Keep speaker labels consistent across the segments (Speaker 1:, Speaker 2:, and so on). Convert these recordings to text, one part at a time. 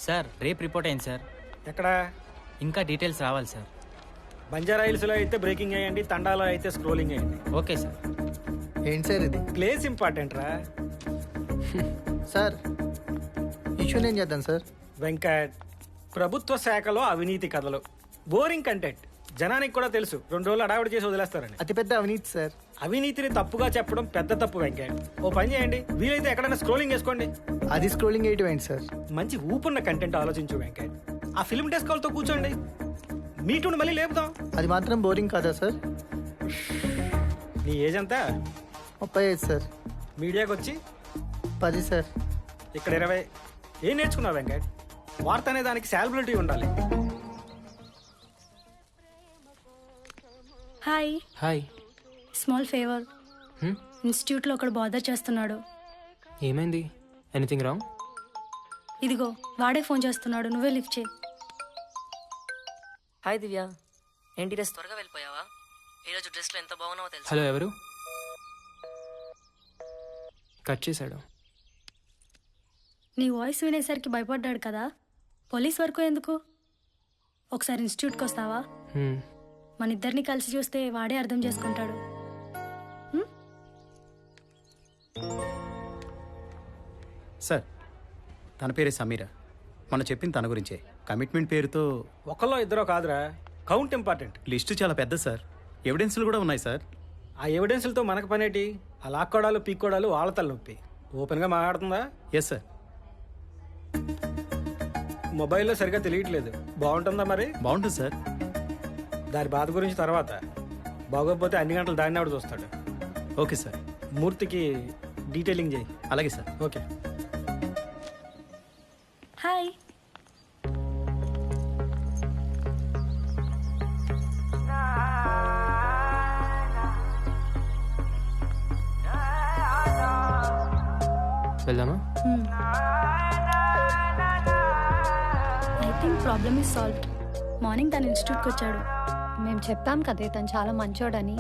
Speaker 1: Sir రేపు report అయింది sir.
Speaker 2: ఎక్కడ?
Speaker 1: ఇంకా డీటెయిల్స్ రావాలి సార్.
Speaker 2: బంజారా హిల్స్లో అయితే బ్రేకింగ్ అయ్యండి, తండాలో అయితే స్క్రోలింగ్ అయ్యండి.
Speaker 1: Okay sir.
Speaker 3: ఏంటి సార్ ఇది?
Speaker 2: ప్లేస్ ఇంపార్టెంట్ రా
Speaker 3: సార్. ఇష్యూ నేను చేద్దాం సార్.
Speaker 2: వెంకట్, ప్రభుత్వ శాఖలో అవినీతి కథలు, బోరింగ్ కంటెంట్. జనానికి కూడా తెలుసు 2 రోజులు అడావిడి చేసి వదిలేస్తారని.
Speaker 3: అతిపెద్ద అవినీతి సార్.
Speaker 2: అవినీతిని తప్పుగా చెప్పడం పెద్ద తప్పు వెంకట్. ఓ పని చేయండి, వీలైతే ఎక్కడైనా స్క్రోలింగ్ చేసుకోండి.
Speaker 3: అది స్క్రోలింగ్ వేయటం ఏంటి సార్?
Speaker 2: మంచి ఊపున్న కంటెంట్ ఆలోచించు వెంకట్. ఆ ఫిల్మ్ డెస్క్ వాళ్ళతో కూర్చోండి, మీటూని మళ్ళీ లేపుదాం.
Speaker 3: అది మాత్రం బోరింగ్ కాదా సార్?
Speaker 2: నీ ఏజ్ అంతా?
Speaker 3: 35 సార్.
Speaker 2: మీడియాకి వచ్చి
Speaker 3: 10 సార్.
Speaker 2: ఇక్కడ 20. ఏం నేర్చుకున్నావు వెంకట్? వార్త అనే దానికి సాలబిలిటీ ఉండాలి.
Speaker 4: హాయ్.
Speaker 5: హాయ్.
Speaker 4: Small favour. ఇన్స్టిట్యూట్లో ఒకడు బాదర్ చేస్తున్నాడు.
Speaker 5: ఏమైంది? Anything wrong?
Speaker 4: ఇదిగో వాడే ఫోన్ చేస్తున్నాడు, నువ్వే లిఫ్ట్ చేయి.
Speaker 6: హాయ్ దివ్య, ఏంటి డ్రెస్ త్వరగా వెళ్ళిపోయావా? ఈరోజు డ్రెస్లో ఎంత బాగున్నావో తెలుసు.
Speaker 5: హలో, ఎవరు? కట్ చేశాడు.
Speaker 4: నీ వాయిస్ వినేసరికి భయపడ్డాడు కదా. పోలీస్ వరకు ఎందుకు? ఒకసారి ఇన్స్టిట్యూట్కి వస్తావా? మన ఇద్దరిని కలిసి చూస్తే వాడే అర్థం చేసుకుంటాడు.
Speaker 7: సార్, తన పేరే సమీర. మనం చెప్పింది తన గురించే. కమిట్మెంట్ పేరుతో
Speaker 2: ఒకళ్ళో ఇద్దరో కాదురా, కౌంట్ ఇంపార్టెంట్.
Speaker 7: లిస్టు చాలా పెద్ద సార్. ఎవిడెన్స్లు కూడా ఉన్నాయి సార్.
Speaker 2: ఆ ఎవిడెన్స్లతో మనకు పనేటి? ఆ లాక్కోడాలు పీక్కోడాలు వాళ్ళ తలనొప్పి. ఓపెన్గా మాట్లాడుతుందా?
Speaker 7: Yes sir.
Speaker 2: మొబైల్లో సరిగ్గా తెలియట్లేదు. బాగుంటుందా మరి?
Speaker 7: బాగుంటుంది సార్.
Speaker 2: దాని బాధ గురించి తర్వాత. బాగోకపోతే అన్ని గంటలు దాన్ని ఆవిడ చూస్తాడు.
Speaker 7: Okay sir.
Speaker 2: మూర్తికి డీటెయిలింగ్ చేయి.
Speaker 7: అలాగే సార్.
Speaker 2: ఓకే.
Speaker 4: హాయ్.
Speaker 5: వెళ్దామా?
Speaker 4: I think problem is solved. Morning తను ఇన్స్టిట్యూట్కి వచ్చాడు.
Speaker 8: మేము చెప్పాం కదే తను చాలా మంచోడని.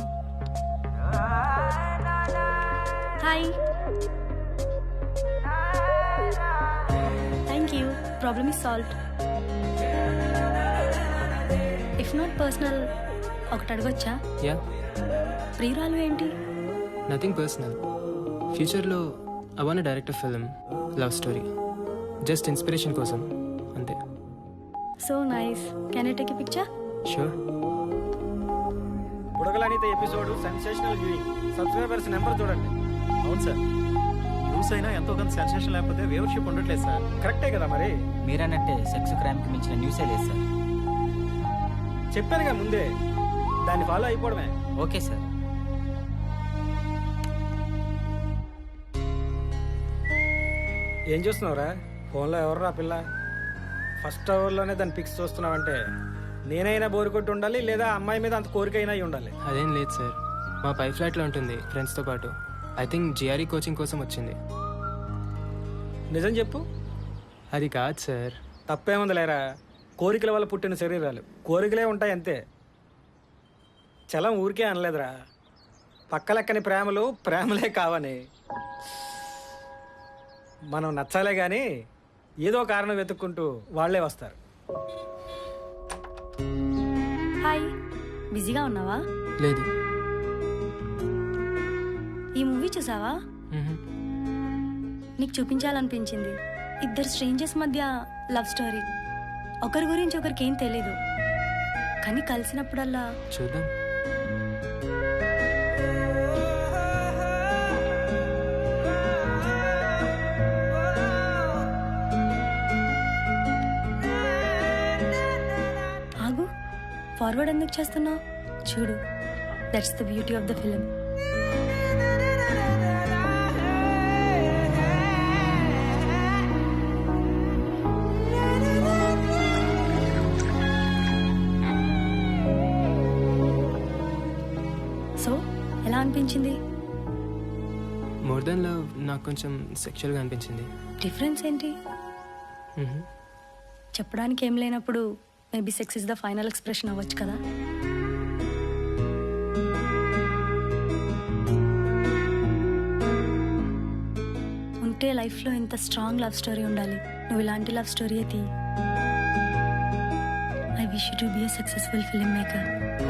Speaker 4: Hi. Thank you. Problem is solved. If not personal, ఒకటి అడగొచ్చా?
Speaker 5: యా.
Speaker 4: ప్రియురాలు ఏంటి?
Speaker 5: Nothing personal. ఫ్యూచర్లో I want direct film, love story. Just inspiration కోసం అంతే.
Speaker 4: So nice. Can I take a picture?
Speaker 5: Sure.
Speaker 2: బుడగలనిత episode sensational viewing. Subscribers number చూడండి.
Speaker 7: అవును సార్. న్యూస్ అయినా ఎంతో కొంత సెన్సేషన్ లేకపోతే వ్యూవర్షిప్ ఉండట్లేదు సార్.
Speaker 2: కరెక్టే కదా మరి.
Speaker 1: మీరన్నట్టే సెక్స్ క్రైమ్కి మించిన న్యూసే లేదు సార్.
Speaker 2: చెప్పానుగా ముందే, దాన్ని ఫాలో అయిపోవడమే.
Speaker 1: Okay sir.
Speaker 2: ఏం చూస్తున్నావురా? ఫోన్లో ఎవర్రా పిల్ల? ఫస్ట్ అవర్లోనే దాన్ని పిక్స్ చూస్తున్నావంటే నేనైనా బోరు కొట్టి ఉండాలి, లేదా అమ్మాయి మీద అంత కోరిక అయినా అయి ఉండాలి.
Speaker 5: అదేం లేదు సార్. మా పై ఫ్లాట్లో ఉంటుంది ఫ్రెండ్స్తో పాటు. ఐ థింక్ జిఆర్ఈ కోచింగ్ కోసం వచ్చింది.
Speaker 2: నిజం చెప్పు.
Speaker 5: అది కాదు సార్.
Speaker 2: తప్పేముంది లేరా, కోరికల వల్ల పుట్టిన శరీరాలు కోరికలే ఉంటాయి అంతే. చలం ఊరికే అనలేదురా. పక్కలెక్కని ప్రేమలు ప్రేమలే కావని. మనం నచ్చాలే కానీ ఏదో కారణం వెతుక్కుంటూ వాళ్లే వస్తారు.
Speaker 4: హాయ్. బిజీగా ఉన్నావా?
Speaker 5: లేదు.
Speaker 4: ఈ మూవీ చూసావా? నీకు చూపించాలనిపించింది. ఇద్దరు స్ట్రేంజర్స్ మధ్య లవ్ స్టోరీ. ఒకరి గురించి ఒకరికి ఏం తెలీదు, కానీ కలిసినప్పుడల్లా
Speaker 5: చూద్దాం.
Speaker 4: ఆగు. ఫార్వర్డ్ ఎందుకు చేస్తున్నావు? చూడు, that's the beauty of the film. So ఎలా అనిపించింది?
Speaker 5: మోర్ దెన్ లవ్ నాకు కొంచెం సెక్షువల్గా అనిపించింది.
Speaker 4: డిఫరెన్స్ ఏంటి? చెప్పడానికి ఏం లేనప్పుడు maybe sex is the final expression అవ్వచ్చు కదా. ఉంటే లైఫ్లో ఇంత స్ట్రాంగ్ లవ్ స్టోరీ ఉండాలి. నువ్వు ఇలాంటి లవ్ స్టోరీ తీ. I wish you to be a successful film maker.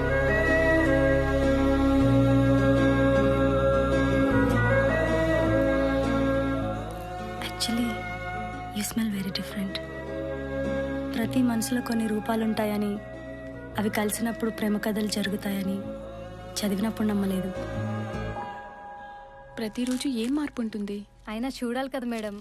Speaker 4: Actually you smell very different. ప్రతి మనసులో కొన్ని రూపాలుంటాయని, అవి కలిసినప్పుడు ప్రేమ కథలు జరుగుతాయని చదివినప్పుడు నమ్మలేదు.
Speaker 9: ప్రతిరోజు ఏం మార్పు ఉంటుంది?
Speaker 8: అయినా చూడాలి కదా madam.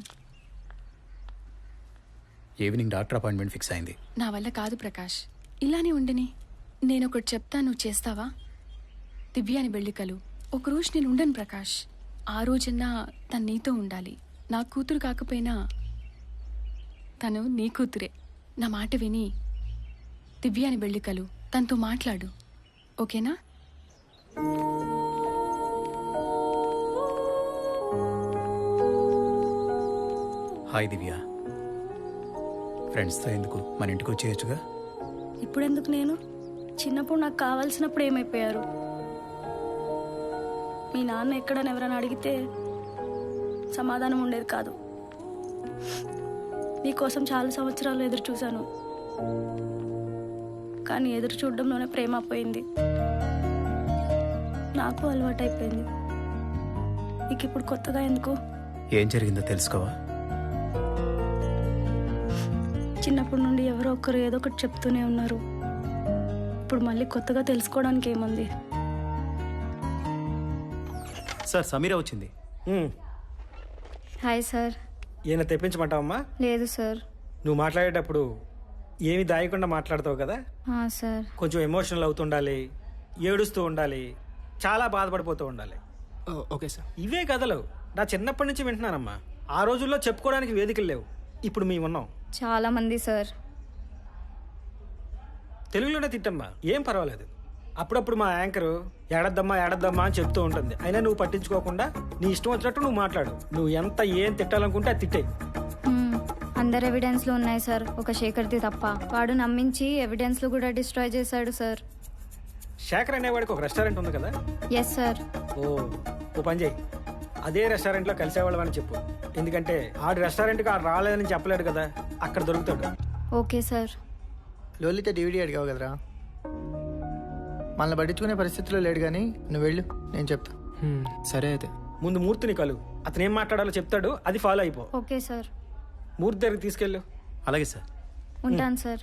Speaker 7: Evening doctor appointment fix అయింది.
Speaker 9: నా వల్ల కాదు ప్రకాష్, ఇలానే ఉండని. నేను ఒకటి చెప్తా, నువ్వు చేస్తావా? దివ్యాని వెళ్ళికలు ఒకరోజు నేను ఉండను ప్రకాష్. ఆ రోజన్నా తను నీతో ఉండాలి. నా కూతురు కాకపోయినా తను నీ కూతురే. నా మాట విని దివ్యాని వెళ్ళికలు తనతో మాట్లాడు, ఓకేనా?
Speaker 7: హాయ్ దివ్య. ఫ్రెండ్స్తో ఎందుకు, మన ఇంటికి వచ్చేయచ్చుగా.
Speaker 4: ఇప్పుడెందుకు? నేను చిన్నప్పుడు నాకు కావాల్సినప్పుడు ఏమైపోయారు? మీ నాన్న ఎక్కడని ఎవరైనా అడిగితే సమాధానం ఉండేది కాదు. నీకోసం చాలా సంవత్సరాలు ఎదురు చూశాను, కానీ ఎదురు చూడడంలోనే ప్రేమ పోయింది. నాకు అలవాటైపోయింది. నీకు ఇప్పుడు కొత్తగా ఎందుకు?
Speaker 7: ఏం జరిగిందో తెలుసుకోవా?
Speaker 4: చిన్నప్పటి నుండి ఎవరో ఒకరు ఏదో ఒకటి చెప్తూనే ఉన్నారు. ఇప్పుడు మళ్ళీ కొత్తగా తెలుసుకోవడానికి ఏముంది?
Speaker 7: సార్, సమీర వచ్చింది.
Speaker 8: Hi sir.
Speaker 2: ఈయన తెప్పించమంటావమ్మా?
Speaker 8: లేదు సార్.
Speaker 2: నువ్వు మాట్లాడేటప్పుడు ఏమి దాయకుండా మాట్లాడతావు కదా.
Speaker 8: సార్.
Speaker 2: కొంచెం ఎమోషనల్ అవుతుండాలి, ఏడుస్తూ ఉండాలి, చాలా బాధపడిపోతూ ఉండాలి.
Speaker 5: Okay sir.
Speaker 2: ఇవే కథలు నా చిన్నప్పటి నుంచి వింటున్నానమ్మా. ఆ రోజుల్లో చెప్పుకోవడానికి వేదికలు లేవు, ఇప్పుడు మేము ఉన్నాం.
Speaker 8: చాలా మంది సార్.
Speaker 2: తెలుగులోనే తిట్టమ్మా, ఏం పర్వాలేదు. అప్పుడప్పుడు మా యాంకరు ఏడద్దమ్మా ఏడద్దమ్మా అని చెప్తూ ఉంటుంది. అయినా నువ్వు పట్టించుకోకుండా నీ ఇష్టం వచ్చినట్టు నువ్వు మాట్లాడు. నువ్వు ఎంత ఏం తిట్టాలనుకుంటే అది తిట్టే.
Speaker 8: అందరు ఎవిడెన్స్లు ఉన్నాయి సార్, ఒక శేఖర్ది తప్ప. వాడు నమ్మించి ఎవిడెన్స్లు కూడా డిస్ట్రాయ్ చేశాడు సార్.
Speaker 2: శేఖర్ అనేవాడికి ఒక రెస్టారెంట్ ఉంది కదా.
Speaker 8: Yes sir.
Speaker 2: ఓ పని చేయి, అదే రెస్టారెంట్లో కలిసేవాళ్ళం అని చెప్పు. ఎందుకంటే ఆడి రెస్టారెంట్కి ఆడు రాలేదని చెప్పలేడు కదా, అక్కడ దొరుకుతాడు.
Speaker 8: Okay sir.
Speaker 3: లోలిత డివిడీ అడిగావు కదరా, మనల్ని పట్టించుకునే పరిస్థితిలో లేడు, కానీ నువ్వు వెళ్ళు, నేను చెప్తా.
Speaker 5: సరే అయితే.
Speaker 2: ముందు మూర్తిని కలు, అతను ఏం మాట్లాడాలో చెప్తాడు, అది ఫాలో అయిపో.
Speaker 8: Okay sir.
Speaker 2: మూర్తి దగ్గరికి తీసుకెళ్ళు.
Speaker 7: అలాగే సార్.
Speaker 8: ఉంటాను సార్.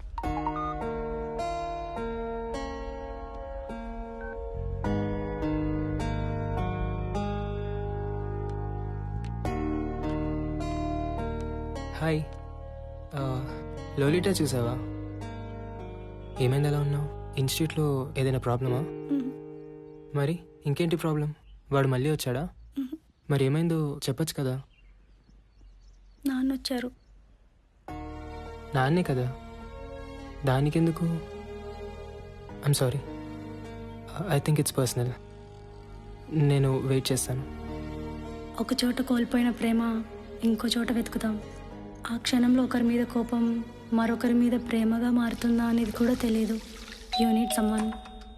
Speaker 5: హాయ్. లోలిటా చూసావా? ఏమైంది, ఎలా ఉన్నావు? ఇన్స్టిట్యూట్లో ఏదైనా ప్రాబ్లమా? మరి ఇంకేంటి ప్రాబ్లం? వాడు మళ్ళీ వచ్చాడా? మరి ఏమైందో చెప్పచ్చు కదా.
Speaker 4: నాన్న వచ్చారు.
Speaker 5: నాన్నే కదా, దానికెందుకు? I'm sorry, I think it's personal. నేను వెయిట్ చేస్తాను.
Speaker 4: ఒక చోట కోల్పోయిన ప్రేమ ఇంకో చోట వెతుకుతాం. ఆ క్షణంలో ఒకరి మీద కోపం మరొకరి మీద ప్రేమగా మారుతుందా అనేది కూడా తెలియదు. You need someone.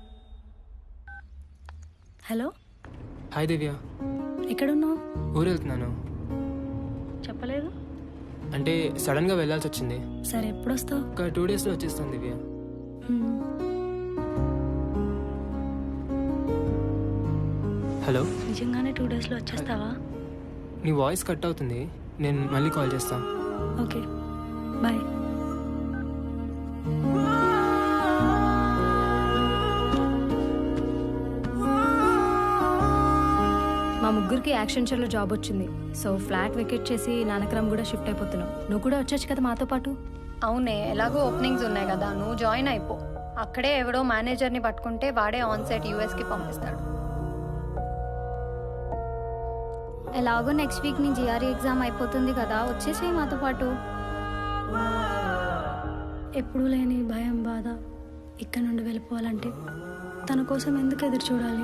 Speaker 4: Hello.
Speaker 5: Hi Divya.
Speaker 4: ఎక్కడున్నావు?
Speaker 5: ఊరు వెళ్తున్నాను.
Speaker 4: చెప్పలేదు.
Speaker 5: అంటే సడన్గా వెళ్ళాల్సి వచ్చింది.
Speaker 4: సరే, ఎప్పుడు వస్తావు?
Speaker 5: ఒక 2 డేస్లో వచ్చేస్తాను దివ్య. హలో.
Speaker 4: నిజంగానే 2 డేస్లో వచ్చేస్తావా?
Speaker 5: నీ వాయిస్ కట్ అవుతుంది, నేను మళ్ళీ కాల్ చేస్తాను.
Speaker 4: Okay, bye.
Speaker 8: మా ముగ్గురికి యాక్సెంచర్లో జాబ్ వచ్చింది. సో ఫ్లాట్ వెకేట్ చేసి నానక్రమ్ కూడా షిఫ్ట్ అయిపోతున్నాం. నువ్వు కూడా వచ్చొచ్చు కదా మాతో పాటు.
Speaker 10: అవునే, ఎలాగో ఓపెనింగ్స్ ఉన్నాయి కదా, నువ్వు జాయిన్ అయిపో. అక్కడే ఎవడో మేనేజర్ని పట్టుకుంటే వాడే ఆన్ సైట్ యూఎస్కి పంపిస్తాడు.
Speaker 8: ఎలాగో నెక్స్ట్ వీక్ నీ జిఆర్ఈ ఎగ్జామ్ అయిపోతుంది కదా, వచ్చేసేయి మాతో పాటు.
Speaker 4: ఎప్పుడూ లేని భయం, బాధ ఇక్కడ నుండి వెళ్ళిపోవాలంటే తన కోసం ఎందుకు ఎదురు చూడాలి?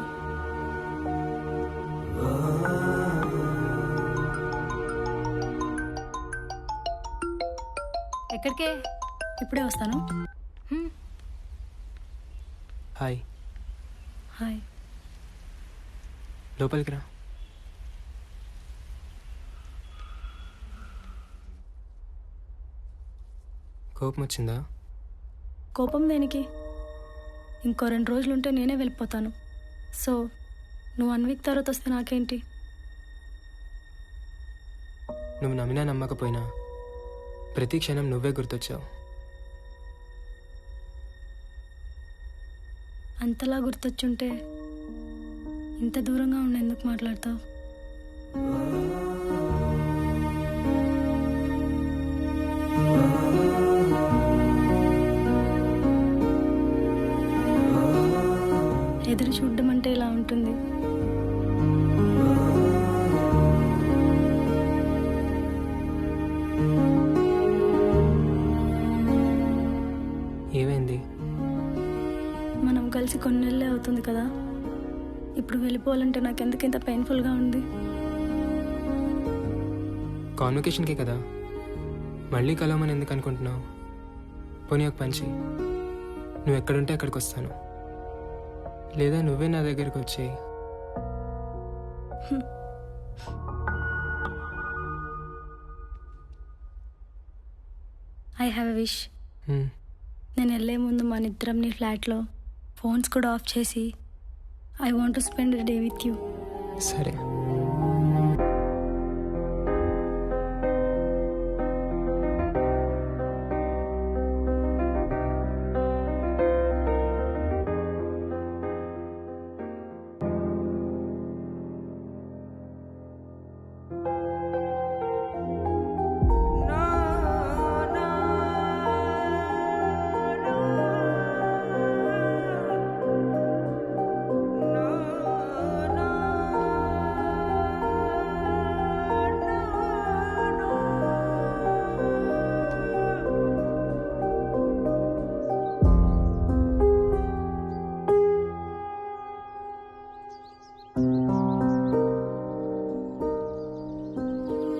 Speaker 8: ఎక్కడికే?
Speaker 4: ఇప్పుడే వస్తాను.
Speaker 5: హాయ్.
Speaker 4: హాయ్.
Speaker 5: లోపలికి రా. కోపం వచ్చిందా?
Speaker 4: కోపం దేనికి? ఇంకో 2 రోజులుంటే నేనే వెళ్ళిపోతాను. సో నువ్వు 1 వీక్ తర్వాత వస్తే నాకేంటి?
Speaker 5: నువ్వు నమ్మినా నమ్మకపోయినా ప్రతి క్షణం నువ్వే గుర్తొచ్చావు.
Speaker 4: అంతలా గుర్తొచ్చుంటే ఇంత దూరంగా ఉండి ఎందుకు మాట్లాడతావు? ఎదురు చూడడం అంటే ఇలా ఉంటుంది.
Speaker 5: ఏమైంది?
Speaker 4: మనం కలిసి కొన్ని నెలలే అవుతుంది కదా. ఇప్పుడు వెళ్ళిపోవాలంటే నాకు ఎందుకు ఇంత పెయిన్ఫుల్గా ఉంది?
Speaker 5: కాన్వకేషన్కే కదా, మళ్ళీ కలవమని ఎందుకు అనుకుంటున్నావు? పోనీ ఒక పంచి, నువ్వు ఎక్కడుంటే అక్కడికి వస్తాను, లేదా నువ్వే నా దగ్గరికి వచ్చేయి.
Speaker 4: I have a wish. నేను వెళ్ళే ముందు మన ఇద్దరం నీ ఫ్లాట్లో ఫోన్స్ కూడా ఆఫ్ చేసి I want to spend day with you.
Speaker 5: సరే.